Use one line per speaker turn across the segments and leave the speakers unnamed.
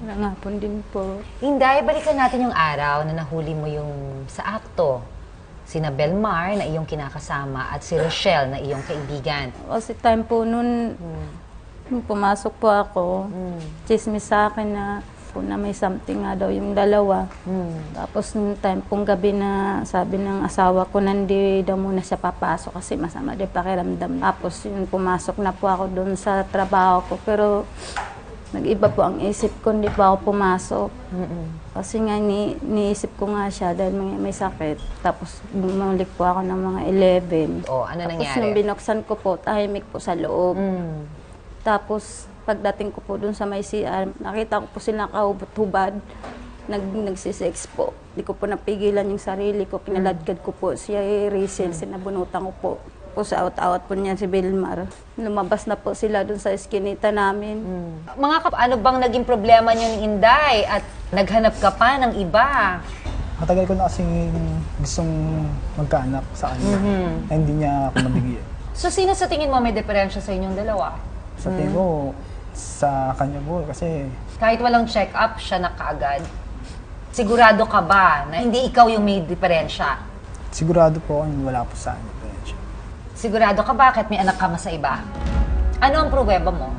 Magandang hapon din po.
Inday, balikan natin yung araw na nahuli mo yung sa akto. Sina Belmar na iyong kinakasama at si Rochelle na iyong kaibigan.
Kasi time po nun, nung pumasok po ako, chismis sa akin na may something nga daw yung dalawa. Tapos nung time pong gabi na sabi ng asawa ko, nandi daw muna siya papasok kasi masama din pakiramdam. Tapos yun, pumasok na po ako doon sa trabaho ko. Pero nag-iba po ang isip ko, hindi pa ako pumasok. Kasi nga niisip ko nga siya dahil may sakit. Tapos bumalik po ako ng mga 11.
O, ano
Tapos
nangyari?
nung binuksan ko po, tahimik po sa loob. Tapos pagdating ko po dun sa may CR, nakita ko po sila nakahubad-hubad. Nagsisex po. Hindi ko po napigilan yung sarili ko. Kinaladkad ko po siya, Rachel, sinabunutan ko po. Tapos out-out po niya si Belmar. Lumabas na po sila dun sa eskinita namin.
Ano bang naging problema niyo ni Inday at naghanap ka pa ng iba?
Matagal ko na kasing gustong magkaanak sa kanya. Na hindi niya ako nabigyan.
So, sino sa tingin mo may diferensya sa inyong dalawa?
Sa tingin ko, sa kanya po kasi
Kahit walang check-up, siya na kaagad. Sigurado ka ba na hindi ikaw yung may diferensya?
sigurado po ako wala po sa kanya.
Sigurado ka bakit may anak ka ma sa iba? Ano ang pruweba mo?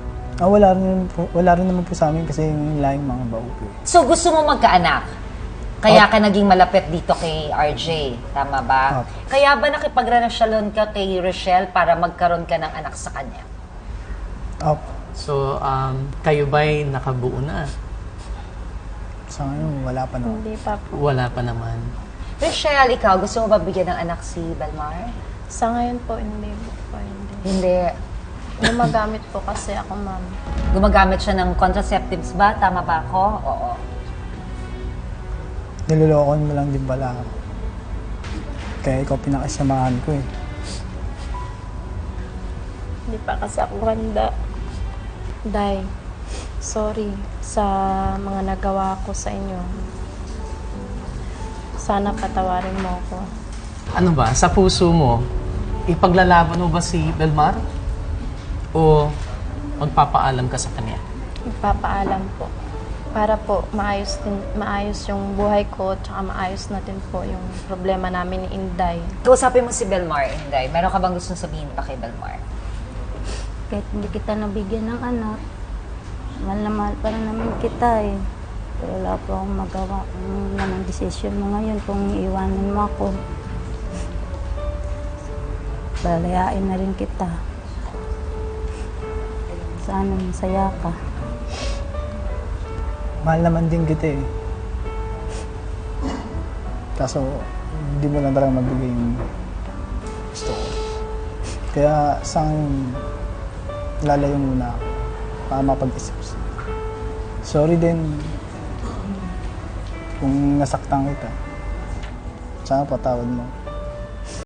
Wala rin naman po sa amin kasi yung laing mga bao po.
So, gusto mo magkaanak? Kaya ka naging malapit dito kay RJ, tama ba?
Opo.
Kaya ba nakipagrelasyon ka kay Rochelle para magkaroon ka ng anak sa kanya?
Opo.
So, kayo ba'y nakabuo na?
Sa ngayon, wala pa naman.
Hindi pa po.
Wala pa naman.
Rochelle, ikaw, gusto mo ba bigyan ng anak si Belmar?
Sa ngayon po, hindi po. Hindi.
Hindi.
Gumagamit po kasi ako, ma'am.
Gumagamit siya ng contraceptives ba? Tama ba ako? Oo.
Nilolokon mo lang din pala ako. Kaya ikaw pinakasamahan ko eh.
Hindi pa kasi ako handa. Day, sorry sa mga nagawa ko sa inyo. Sana patawarin mo ako.
Ano ba, sa puso mo, ipaglalaban mo ba si Belmar? O magpapaalam ka sa kanya?
Ipapaalam po. Para po maayos yung buhay ko at maayos natin po yung problema namin ni Inday.
Kausapin mo si Belmar, Inday. Meron ka bang gustong sabihin pa kay Belmar?
Kahit hindi kita nabigyan ng anak, mahal na mahal pa rin naman kita eh. Pero wala po akong magawa. Ano naman decision mo ngayon kung iiwanan mo ako. Palayain na rin kita. Sana masaya ka.
Mahal naman din kita eh. Kaso, hindi mo lang talaga mabigay yung gusto ko. Kaya sa akin, lalayo muna ako para mapag-isip. Sorry din kung nasaktan kita. Sana patawad mo.